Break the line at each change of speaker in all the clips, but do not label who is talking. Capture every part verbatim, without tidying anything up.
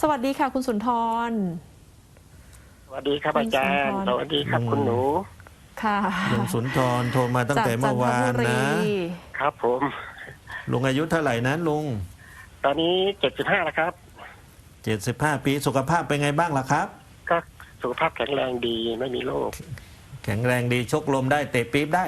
สวัสดีค่ะคุณสุนทร
สวัสดีครับอาจารย์สวัสดีครับคุณหนู
ค่ะ
ลุงสุนทรโทรมาตั้งแต่เมื่อวานนะครับ
ผม
ลุงอายุเท่าไหร่นะลุง
ตอนนี้เจ็ดสิบห้าแล้วครับ
เจ็ดสิบห้าปีสุขภาพเป็นไงบ้างล่ะครับ
ก็สุขภาพแข็งแรงดีไม่มีโรค
แข็งแรงดีชกลมได้เตะปี๊บได้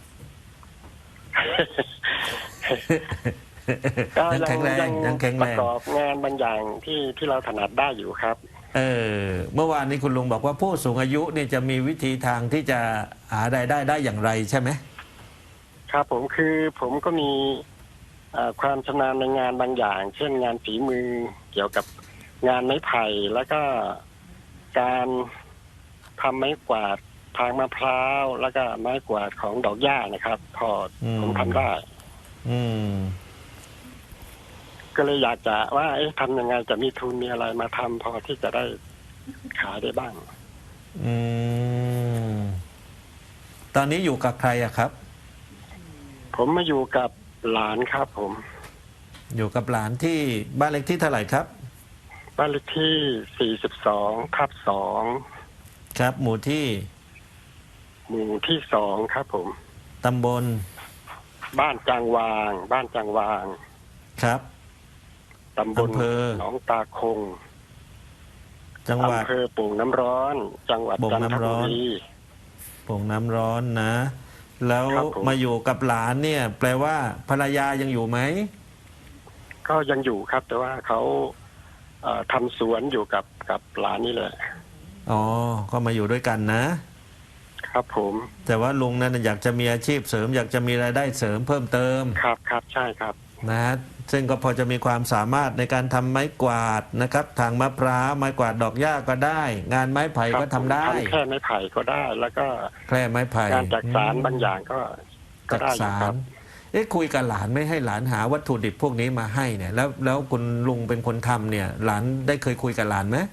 ก็
ยังแข็งแรงยังแข็ง
ป
แร
ระ
ง
กอบงานบางอย่างที่ที่เราถนัดได้อยู่ครับ
เออเมื่อวานนี้คุณลุงบอกว่าผู้สูงอายุเนี่ยจะมีวิธีทางที่จะหารายได้ได้อย่างไรใช่ไหม
ครับผมคือผมก็มีความชำนาญในงานบางอย่างเช่นงานฝีมือเกี่ยวกับงานไม้ไผ่แล้วก็การทำไม้กวาดทางมะพร้าวแล้วก็ไม้กวาดของดอกหญ้านะครับพอผมทำได้
อืม
ก็เลยอยากจะว่าเอ๊ะทำยังไงจะมีทุนมีอะไรมาทำพอที่จะได้ขายได้บ้าง
อืมตอนนี้อยู่กับใครอะครับ
ผมมาอยู่กับหลานครับผม
อยู่กับหลานที่บ้านเลขที่เท่าไหร่ครับ
บ้านเลขที่สี่สิบสองทับสอง
ครับหมู่ที่
หมู่ที่สองครับผม
ตำบล
บ้านจางวางบ้านจางวาง
ครับ
ตำบลหนองตาคง
จังหวัด
อำเภอโป่งน้ำร้อนจังหวัดจันทบุรี
โป่งน้ำร้อนนะแล้วมาอยู่กับหลานเนี่ยแปลว่าภรรยายังอยู่ไหม
ก็ยังอยู่ครับแต่ว่าเขาเอ่อทำสวนอยู่กับกับหลานนี่แหละ
อ๋อก็มาอยู่ด้วยกันนะครับ
ผม
แต่ว่าลุงนั้นอยากจะมีอาชีพเสริมอยากจะมีรายได้เสริมเพิ่มเติม
ครับครับใช่ครับ
นะซึ่งก็พอจะมีความสามารถในการทำไม้กวาดนะครับทางมะพร้าวไม้กวาดดอกหญ้าก็ได้ งานไม้ไผ่ก็ทำได้
แค่ไม้ไผ่ก็ได้แล้วก็
แค่ไม้ไผ่
การจักสานบางอย่างก็ก็ได้ครับ
เอ๊ะคุยกับหลานไม่ให้หลานหาวัตถุดิบพวกนี้มาให้เนี่ยแล้วแล้วคุณลุงเป็นคนทำเนี่ยหลานได้เคยคุยกับหลานไหม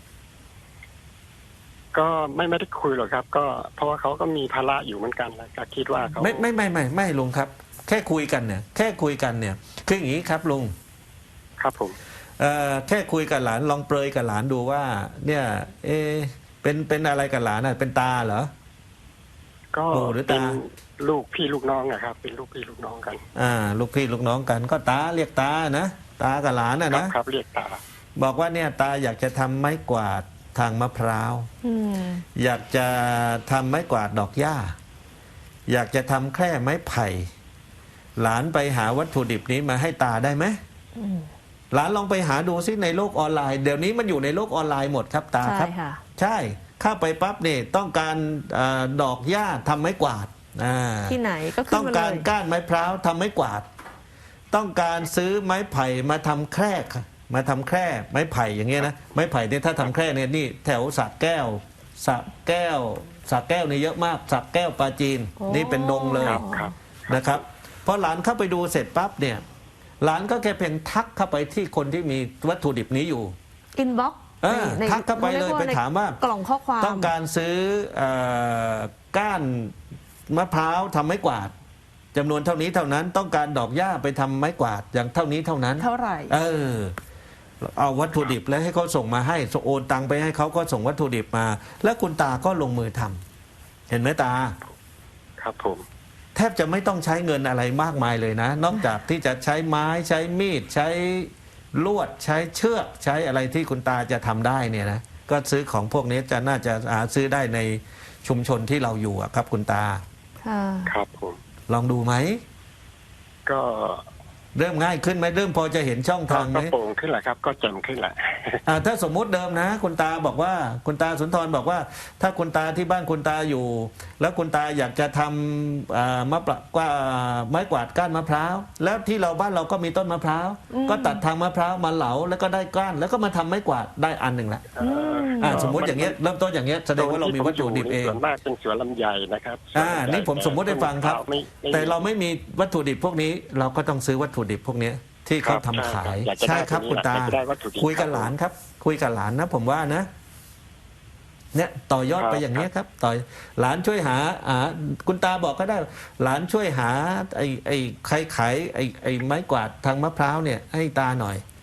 ก็ไม่ไม่ได้คุยหรอกครับก็เพราะว่าเขาก็มีภาระอยู่เหมือนกันแล้วก็คิดว่าเขา
ไม่ไม่ไม่ไม่ไม่ลุงครับแค่คุยกันเนี่ยแค่คุยกันเนี่ยคืออย่างนี้ครับลุง
ครับผม
เอ่อแค่คุยกับหลานลองเปรยกับหลานดูว่าเนี่ยเอเป็นเป็นอะไรกับหลานน่ะเป็นตาเหรอ
ก็เป็นลูกพี่ลูกน้องอะครับเป็นลูกพี่ลูกน้องกัน
อ่าลูกพี่ลูกน้องกันก็ตาเรียกตานะตากับหลานน่ะนะครับ
เรียกตา
บอกว่าเนี่ยตาอยากจะทำไม้กวาดทางมะพร้าวอยากจะทำไม้กวาดดอกหญ้าอยากจะทำแค่ไม้ไผ่หลานไปหาวัตถุดิบนี้มาให้ตาได้ไหมหลานลองไปหาดูซิในโลกออนไลน์เดี๋ยวนี้มันอยู่ในโลกออนไลน์หมดครับตาครับใช่เข้าไปปั๊บเนี่ยต้องการดอกหญ้าทำไม้กวาด
ที่ไหนก็ขึ้นมาเลย
ต้องการก้านไม้พร้าวทำไม้กวาดต้องการซื้อไม้ไผ่มาทำแคร่มาทำแคร่ไม้ไผ่อย่างเงี้ยนะไม้ไผ่เนี่ยถ้าทำแคร่เนี่ยนี่แถวสระแก้วสระแก้วสระแก้วนี่เยอะมากสระแก้วปลาจีนนี่เป็นดงเลยนะครับพอหลานเข้าไปดูเสร็จปั๊บเนี่ยหลานก็แค่เพียงทักเข้าไปที่คนที่มีวัตถุดิบนี้อยู่
อินบ็อกซ์
ทักเข้าไปเลยไปถามว่าก
ล่องข้อความ
ต้องการซื้อก้านมะพร้าวทำไม้กวาดจำนวนเท่านี้เท่านั้นต้องการดอกหญ้าไปทำไม้กวาดอย่างเท่านี้เท่านั้น
เท่าไหร่
เออเอาวัตถุดิบแล้วให้เขาส่งมาให้โอนตังไปให้เขาก็ส่งวัตถุดิบมาแล้วคุณตาก็ลงมือทำเห็นไหมตา
ครับผม
แทบจะไม่ต้องใช้เงินอะไรมากมายเลยนะนอกจากที่จะใช้ไม้ใช้มีดใช้ลวดใช้เชือกใช้อะไรที่คุณตาจะทำได้เนี่ยนะก็ซื้อของพวกนี้จะน่าจะหาซื้อได้ในชุมชนที่เราอยู่ครับคุณตา
ครับผม
ลองดูไหม
ก็
เริ่มง่ายขึ้นไหมเริ่มพอจะเห็นช่องทางไหม
ก็โปร่งขึ้นแหละครับก็แจ่มขึ้นแหละ
ถ้าสมมุติเดิมนะคุณตาบอกว่าคุณตาสุนทรบอกว่าถ้าคุณตาที่บ้านคุณตาอยู่แล้วคุณตาอยากจะทำมะปรางกว่าไม้กวาดก้านมะพร้าวแล้วที่เราบ้านเราก็มีต้นมะพร้าวก็ตัดทางมะพร้าวมาเหลาแล้วก็ได้ก้านแล้วก็มาทำไม้กวาดได้อันหนึ่งละสมมติอย่างเงี้ยเริ่มต้นอย่างเงี้ยแสดงว่าเรามีวัตถุดิบเอง
ส่วนมากเป็นสวนลำไยนะครับ
อ่านี่ผมสมมติให้ฟังครับแต่เราไม่มีวัตถุดิบพวกนี้เราก็ต้องซื้อวัตถุดิบพวกนี้ที่เขาทำขายใช่ครับคุณตาคุยกับหลานครับคุยกับหลานนะผมว่านะเนี่ยต่อยอดไปอย่างนี้ครับต่อหลานช่วยหาอ่าคุณตาบอกก็ได้หลานช่วยหาไอ้ไอ้ใครขายไอ้ไอ้ไม้กวาดทางมะพร้าวเนี่ยให้ตาหน่อย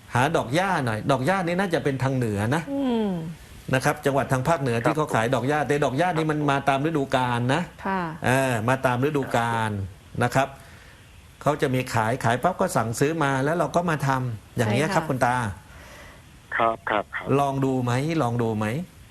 หาดอกหญ้าหน่อย ดอกหญ้านี่น่าจะเป็นทางเหนือนะ
อืม
นะครับ จังหวัดทางภาคเหนือที่เขาขายดอกหญ้าแต่ดอกหญ้านี่มันมาตามฤดูกาลนะ
ค่ะ
เออมาตามฤดูกาลนะครับเขาจะมีขายขายปั๊บก็สั่งซื้อมาแล้วเราก็มาทำอย่างนี้ย
ใช่ค่ะ
ครับคุณตา
ครับครับครับ
ลองดูไหมลองดูไหม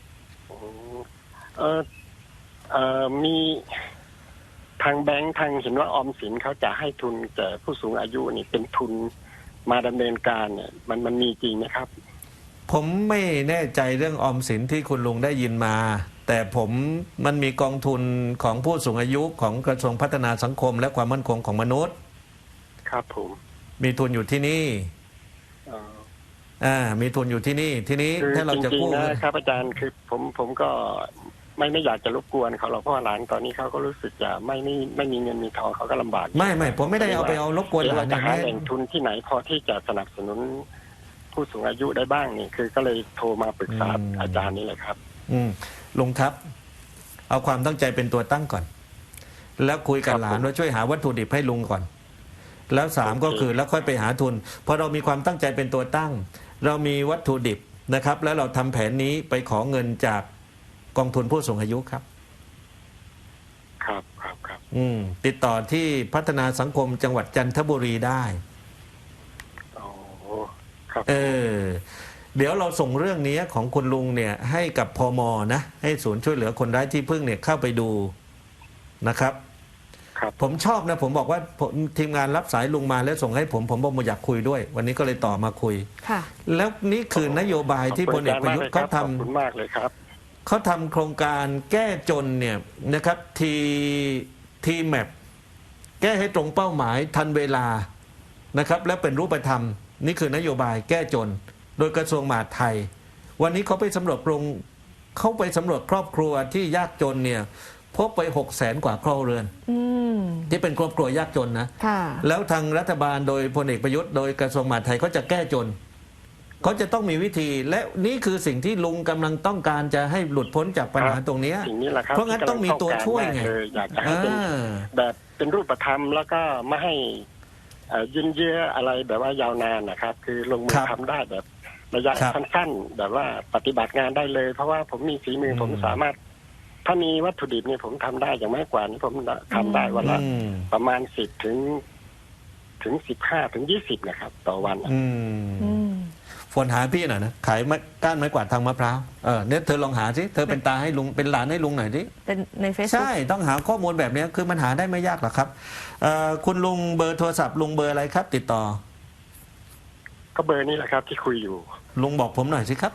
เออเออมีทางแบงค์ทางเห็นว่าออมสินเขาจะให้ทุนแก่ผู้สูงอายุนี่เป็นทุนมาดำเนินการเนี่ย มันมันมีจริงไหมครับ
ผมไม่แน่ใจเรื่องออมสินที่คุณลุงได้ยินมา แต่ผมมันมีกองทุนของผู้สูงอายุของกระทรวงพัฒนาสังคม และความมั่นคงของมนุษย์
ครับผม
มีทุนอยู่ที่นี่
เอ่อ
อ่ามีทุนอยู่ที่นี่ทีนี้
คือ
ถ้าเรา
จ
จะ
ริง
กู้
ๆนะครับอาจารย์คือผมผมก็ไม่ไม่อยากจะรบกวนเขาหรอกเพราะว่าหลานตอนนี้เขาก็รู้สึกจะไม่ไม่ไม่มีเงินมีทองเขาก็ลำบาก
ไม่ไม่ผมไม่ได้เอาไปเอารบกวน
เดี๋ยว
หลา
เรา
น
จะ
นะ
หาแหล่งทุนที่ไหนพอที่จะสนับสนุนผู้สูงอายุได้บ้างนี่คือก็เลยโทรมาปรึกษาอาจารย์นี่แหละครับ
อืมลุงครับ เอาความตั้งใจเป็นตัวตั้งก่อน แล้วคุยกับ
ครับ
หลาน
ผม
ว่าช่วยหาวัตถุดิบให้ลุงก่อน แล้วสาม
โอเค
ก็คือแล้วค่อยไปหาทุนพอเรามีความตั้งใจเป็นตัวตั้ง เรามีวัตถุดิบนะครับ แล้วเราทำแผนนี้ไปขอเงินจากกองทุนผู้สูงอายุครับ
ครับครับครับ
อืมติดต่อที่พัฒนาสังคมจังหวัดจันทบุรีได้
โอ้ครับ
เออ เดี๋ยวเราส่งเรื่องนี้ของคุณลุงเนี่ยให้กับพมนะให้ศูนย์ช่วยเหลือคนไร้ที่พึ่งเนี่ยเข้าไปดูนะครับ
ครับ
ผมชอบนะผมบอกว่าผมทีมงานรับสายลุงมาแล้วส่งให้ผมผมบอกผมอยากคุยด้วย วันนี้ก็เลยต่อมาคุย
ค่ะ
แล้วนี่คือนโยบายที่พลเอกประยุทธ์เขาท
ขอบคุณมากเลยครับ
ำเขาทำโครงการแก้จนเนี่ยนะครับทีทีแมปแก้ให้ตรงเป้าหมายทันเวลานะครับและเป็นรูปธรรม นี่คือนโยบายแก้จน โดยกระทรวงมหาดไทย วันนี้เขาไปสำรวจโครงเขาไปสำรวจครอบครัวที่ยากจนเนี่ยพบไปหกแสนกว่าครัวเรือน
อืม
ที่เป็นครอบครัวยากจนนะ
ค่ะ
แล้วทางรัฐบาลโดยพลเอกประยุทธ์โดยกระทรวงมหาดไทยเขาจะแก้จนเขาจะต้องมีวิธี และนี่คือสิ่งที่ลุงกำลังต้องการจะให้หลุดพ้นจากปัญหาตรงเนี้ย
สิ่งนี้แหละครับ
เพราะงั้นต้องมีตัวช่วยไง
ที่กำลัต้องการมากเลยอยากจะให้เป็น
อ่า
แบบเป็นรูปธรรมแล้วก็ไม่ให้เอ่อยืนเยื้ออะไรแบบว่ายาวนานนะครับ คือลงมือทำได้แบบระยะ
ครับ
สั้นๆ แบบว่าปฏิบัติงานได้เลย เพราะว่าผมมีฝีมืออ
ม
ผมสามารถ ถ้ามีวัตถุดิบเนี่ยผมทำได้อย่างไม่กว่านี้ผมทำได้วันละ
อืม
ประมาณสิบถึง ถึงสิบห้าถึงยี่สิบนะครับ ต่อวัน
อืม
อืม
ฝนหาพี่หน่อยนะขายไม้ก้านไม้กวาดทางมะพร้าวเออเนี่ยเธอลองหาสิเธอเป็นตาให้ลุงเป็นหลานให้ลุงหน่อยสิ
เป็นในเฟซบุ๊
ใช่
ก
ต้องหาข้อมูลแบบนี้คือมันหาได้ไม่ยากหรอกครับเอ่อคุณลุงเบอร์โทรศัพท์ลุงเบอร์อะไรครับ ติดต่อ
ก็เบอร์นี้แหละครับ ที่คุยอยู่
ลุงบอกผมหน่อยสิครับ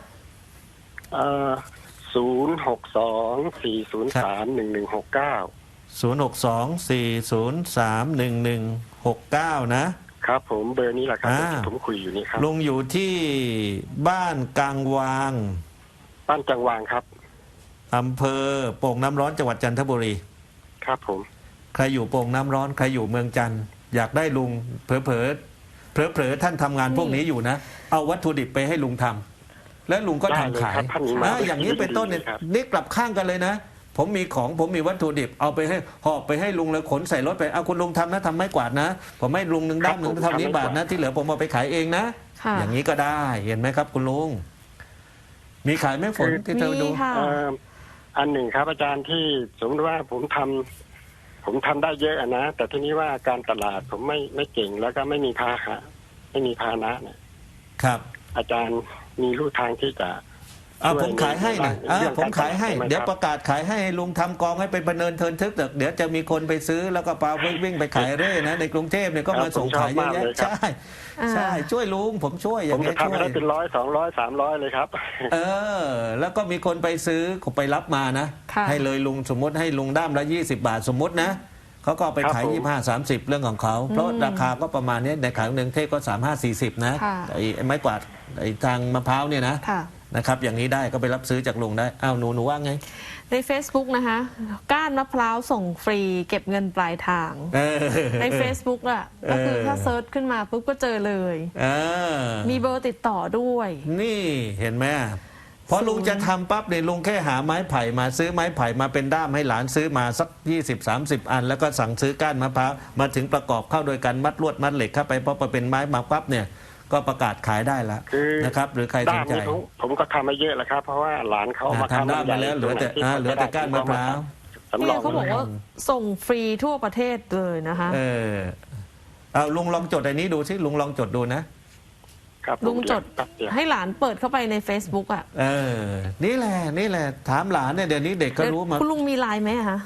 ศูนย์หกสองสี่ศูนย์สามหนึ่งหนึ่งหกเก้า
ศูนย์ หก สอง สี่ ศูนย์ สาม หนึ่ง หนึ่ง หก เก้า นะครับ
ผมเบอร์นี้แหละครับ
อ่า
ที่ผมคุยอยู่นี่ครับ
ลุงอยู่ที่บ้านกลางวาง
บ้านจังหวางครับ
อำเภอโป่งน้ำร้อนจังหวัดจันทบุรี
ครับผม
ใครอยู่โป่งน้ำร้อนใครอยู่เมืองจันทร์อยากได้ลุงเผลอเผลอเผลอเผลอๆท่านทำงานพวกนี้อยู่นะ เอาวัตถุดิบไปให้ลุงทำแล้วลุงก็
ได้เลย
ทำขาย
ครับท่านนี้มา
อ่าอย่างนี้เป็นต้นเนี่ย
ครับ
นี่กลับข้างกันเลยนะ ผมมีของผมมีวัตถุดิบเอาไปให้หอบไปให้ลุงแล้วขนใส่รถไปเอาคุณลุงทำนะทำไม้กวาดนะ ผมให้ลุงหนึ่งด้ามหนึ่งเท่านี้บาทนะที่เหลือผมเอาไปขายเองนะ
ค่ะ
อย่างนี้ก็ได้เห็นไหมครับ คุณลุงมีขายไหมฝนที่เธอดู
มีค่ะ
เอ่ออันหนึ่งครับ อาจารย์ที่สมมติว่าผมทำผมทำได้เยอะอะนะแต่ทีนี้ว่าการตลาดผมไม่ไม่เก่งแล้วก็ไม่มีพาหะไม่มีพาหนะเนี่ย
ครับ
อาจารย์มีลู่ทางที่จะ
อ่า
ช่วย
ผมขายให้นะ
ใน
อ่า
เรื่อง
ผมขายให้
การตลาดได้ไหม
เดี๋ยว
ครับ
ประกาศขายให้ลุงทำกองให้เป็นบันเนินเทินทึกเดี๋ยวเดี๋ยวจะมีคนไปซื้อแล้วก็ปาวิ่งไปขายเร่นะในกรุงเทพเนี่ยก็มาส่งขายเยอะแยะใช่ใช่ช่วยลุงผมช่วยอ
ผ
ย่าม ง
จะ
นี้ช่
ทำ
วย
ได้เป็นร้อยสองร้อยสามร้อยเลยครับ
เออ แล้วก็มีคนไปซื้อไปรับมานะ
ค่ะ
ให้เลยลุงสมมติให้ลุงด้ามละยี่สิบบาทสมมตินะเขาก็เอาไปขาย
ครับผม
ยี่ห้าสามสิบเรื่องของเขาเพราะราคาก็ประมาณนี้ในขายหนึ่งเทพก็สามห้าสี่สิบนะ
ค่ะ
ไอ้ไอ้ไม้กวาดไอ้ทางมะพร้าวเนี่ยนะ
ค่ะ
นะครับอย่างนี้ได้ก็ไปรับซื้อจากลุงได้อ้าวหนูหนูว่าไง
ใน Facebook นะคะ ก้านมะพร้าวส่งฟรีเก็บเงินปลายทาง
เออ
ใน Facebook อ่ะ ก็คือถ้าเซิร์ชขึ้นมาปุ๊บก็เจอเลย
เออ
มีเบอร์ติดต่อด้วย
นี่เห็นไหมพอลุงจะทำปั๊บเนี่ยลุงแค่หาไม้ไผ่มาซื้อไม้ไผ่มาเป็นด้ามให้หลานซื้อมาสัก ยี่สิบสามสิบ อัน แล้วก็สั่งซื้อก้านมะพร้าวมาถึงประกอบเข้าโดยการมัดลวดมัดเหล็กเข้าไปพอเป็นไม้มาปั๊บเนี่ยก็ประกาศขายได้แล้ว
คือ
นะครับ หรือใครส
ด้าน น
ใจ
นี้ผมผมก็ทำมาเยอะแล้วครับ เพราะว่าหลานเขา
อ่า
มา
ทำด้ามมาแล้วเหลือแต่อ่าเหลือแต่ก้านมะพร้าว
สำร
เนี่
อย ง
เขาบอกว่าส่งฟรีทั่วประเทศเลยนะคะ
เออเอาลุงลองจดอันนี้ดูสิลุงลองจดดูนะ
ครับผม
ลุงจด
แป๊บเดียว
ให้หลานเปิดเข้าไปใน Facebook อ่ะ
เออ นี่แหละนี่แหละถามหลานเนี่ยเดี๋ยวนี้เด็กก็รู้มา
คุณลุงมีไลน์ไหมอะคะ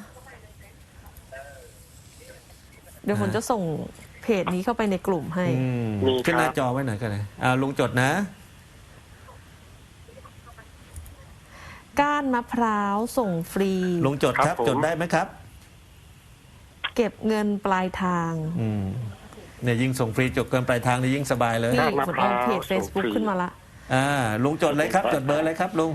เดี๋ยวผมจะส่งเพจนี้เข้าไปในกลุ่มให้
อืม
มี
ขึ้นหน้า
ครับ
จอไว้หน่อยก็ได้อ่าลุงจดนะ
ก้านมะพร้าวส่งฟรี
ลุงจดครับจดได้ไหมครับ
เก็บเงินปลายทาง
อืมเนี่ยยิ่งส่งฟรีจบเกินปลายทางนี่ยิ่งสบายเลย
นี่
ก้านมะ
ผม
พร้า
เอา
ว
เพจ Facebook
ส่งฟรี
ขึ้นมาละ
อ่าลุงจดเลยครับ จดเบอร์เลยครับลุง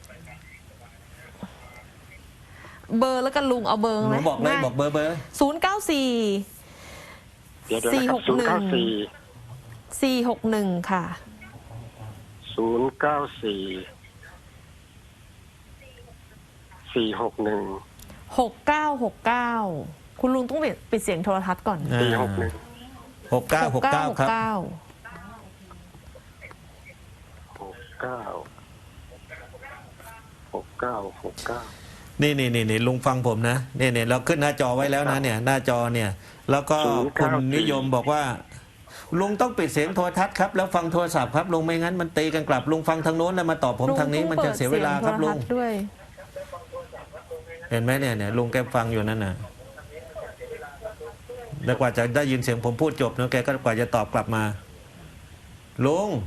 เบอร์แล้วกันลุงเอาเบอร์
ห
ไหม
นูบอกเลยบอกเบอร์เบอร์
ศูนย์เก้าสี่
เดี๋ยวเดี๋ยวนะครับศูนย์เก้าสี่
สี่หกหนึ่งค่ะ
ศูนย์เก้าสี่สี่หกหนึ่ง
หกเก้าหกเก้าคุณลุงต้องปิดปิดเสียงโทรทัศน์ก่อน
สี่หกหนึ่ง
หกเก้าหกเก้าครับ
เก้า
หกเก้าหกเก้าหกเก้า
นี่นี่นี่นี่ลุงฟังผมนะเนี่ยเนี่ยเราขึ้นหน้าจอไว้แล้วนะเนี่ยหน้าจอเนี่ย แล้วก็คุณนิยมบอกว่า ลุงต้องปิดเสียงโทรทัศน์ครับแล้วฟังโทรศัพท์ครับลุงไม่งั้นมันตีกันกลับลุงฟังทางโน้นแล้วมาตอบผมทางนี้มันจะเสียเวลาครับลุง
ด้วย
เห็นไหมเนี่ยเนี่ยลุงแกฟังอยู่นั่นน่ะแล้วกว่าจะได้ยินเสียงผมพูดจบเนาะแกก็กว่าจะตอบกลับมาลุง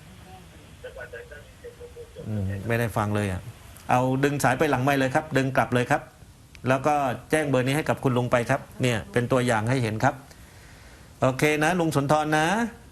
อืมไม่ได้ฟังเลยอ่ะเอาดึงสายไปหลังไมค์เลยครับ ดึงกลับเลยครับ แล้วก็แจ้งเบอร์นี้ให้กับคุณลุงไปครับ เนี่ยเป็นตัวอย่างให้เห็นครับ โอเคนะลุงสุนทรนะ